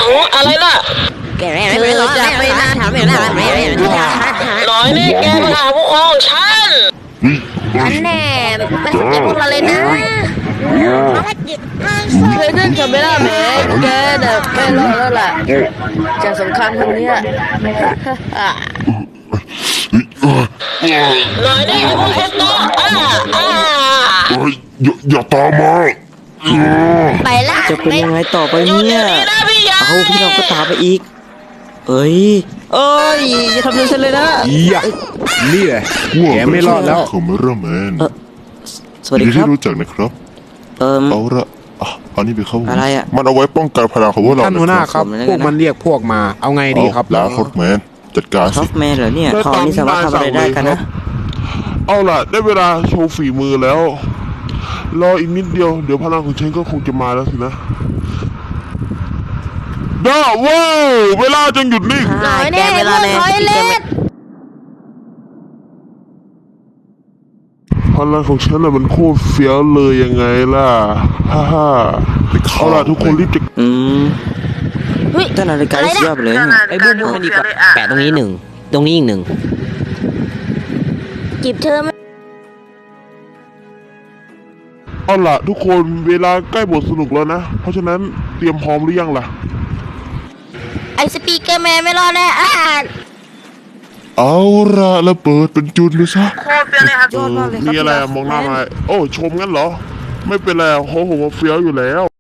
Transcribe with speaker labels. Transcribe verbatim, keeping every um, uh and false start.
Speaker 1: อะไรล่ะ
Speaker 2: เธอจะไปนานถามไม่ได้ไม่ได้
Speaker 1: หน่อยนี่แกมาหาผู้ปกครองฉัน
Speaker 2: อันแน่ไม่สนใจพวกเราเลยนะเคยเล่นกับเบลล่าแม่แกแต่ไม่รอดแล้วล่ะจากสงครามครั้งนี้
Speaker 1: หน่อยนี่พวกคนโตอ่าอ่า
Speaker 3: เฮ้ยอย่าอย่าตามมาเออ
Speaker 2: ไปละ
Speaker 4: จะเป็นยังไงต่อไป
Speaker 1: หยุด
Speaker 4: เนี่
Speaker 1: เดี๋ย
Speaker 4: ยว
Speaker 1: นี้นะพี่ยา
Speaker 4: เอาพี่เราก็ตามไปอีก เอ้ยเอ้ยอย่าทำเรื่องฉันเลยนะ
Speaker 5: ยะนี่แหละแกไม่รอดแล้ว
Speaker 3: คอมเมอร์แมน
Speaker 4: เออสวัส
Speaker 3: ยิ
Speaker 4: ดี
Speaker 3: นดี
Speaker 4: ครั
Speaker 3: ที่
Speaker 4: บ
Speaker 3: รู้จักนะครับ
Speaker 4: เอิม
Speaker 3: เอาละอ่ะเอานี่ไปเข้า
Speaker 4: อะไรอะ
Speaker 3: มันเอาไว้ป้องกันพลังของพวกเรา
Speaker 5: ท่านหัวหน้าครับ
Speaker 4: ผมเลยนะ
Speaker 5: พวกมันเรียกพวกมา เอาไงดีครับ
Speaker 3: ลาคอร์แมนจัดการ
Speaker 4: ท็อ
Speaker 3: สิ
Speaker 4: ปแมนเหรอเนี่ยเขานี่สามารถทำอะไรได้กันนะ
Speaker 3: เอาล่ะได้เวลาโชว์ฝีมือแล้ว รออีกนิดเดียวเดี๋ยวพลังของฉันก็คงจะมาแล้วสินะด้าว้าวเวลาจงหยุดนิ่ง
Speaker 2: หน่อยแน่พวกถอยเล็ด
Speaker 3: พลังของฉันน่ะมันโคตรเฟี้ยวเลยยังไงล่ะฮ่าฮ่าเอาล่ะทุกคนรีบจะ
Speaker 4: อืมแต่นาฬิกาที่สุดยอดไปเลย
Speaker 1: ไอ้บูมบูมันดีกว่าแปะตรงนี้หนึ่งตรงนี้อีกหนึ่ง
Speaker 2: จีบเธอ
Speaker 3: เอาล่ะทุกคนเวลาใกล้บทสนุกแล้วนะเพราะฉะนั้นเตรียมพร้อมหรือยังล่ะ
Speaker 2: ไอสปีกเกอร์แมนไม่รอดแน่อ่าน
Speaker 3: เอาละแล้วเปิดเป็นจุดเลยซะ
Speaker 1: โคตรเปรี้ยวเลยครับ
Speaker 3: มีอะไรอะมองหน้ามาโอ้ชมงั้นเหรอ ไม่เป็นไรเพราะผมว่าเฟี้ยวอยู่แล้ว